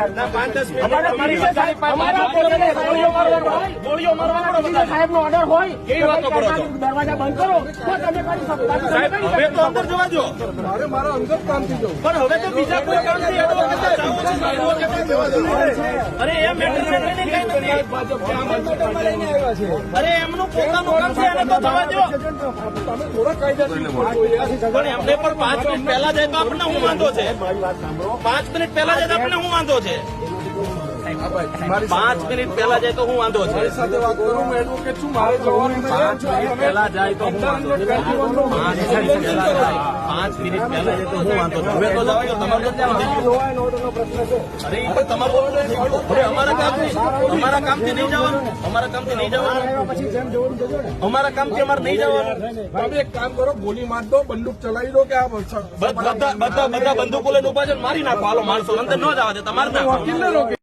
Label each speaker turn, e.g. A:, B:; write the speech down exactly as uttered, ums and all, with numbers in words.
A: પાંચ દસ ગોળીઓ મારવાનો સાહેબ નો ઓર્ડર હોય કેવી વાતો કરો છો? દરવાજા બંધ કરો તો તમે કરી શકો. હવે તો અંદર જવા દો.
B: મારે મારા અંગત કામથી જવું.
A: પણ હવે તો બીજા કોઈ કામથી અરે એમ અરે એમનું પોતાનું કામ છે એને તો થવા દો.
B: તમે થોડા કાયદા
A: પણ એમને પણ પાંચ મિનિટ પહેલા જાય તો આપણને શું વાંધો છે? પાંચ મિનિટ પહેલા જાય તો આપણને શું વાંધો છે? પાંચ મિનિટ પહેલા જાય તો શું વાંધો છે?
B: સાથે વાત કરું. હું એડવોકેટ છું. મારે જવાનું
A: પાંચ મિનિટ પહેલા જાય તો શું વાંધો છે? પાંચ મિનિટ પહેલા જાય પાંચ મિનિટ પહેલા જાય તો શું વાંધો છે? હવે તો જવાય તો તમારે નથી જવાનું. અરે એ પણ તમારું હવે અમારા કામથી અમારા કામથી નહીં જવાનું. અમારા કામથી નહીં જવાનું. અમારા કામથી અમારે નહીં જવાનું.
B: તમે એક કામ કરો, ગોલી માર દો, બંદૂક ચલાવી દો કે આ
A: બધા બધા બધા બંદૂકો લઈને ઉભા છે, મારી નાખો. હાલો માણસો અંદર ન જવા દે. તમારે નાખો.
B: વકીલને રોકે.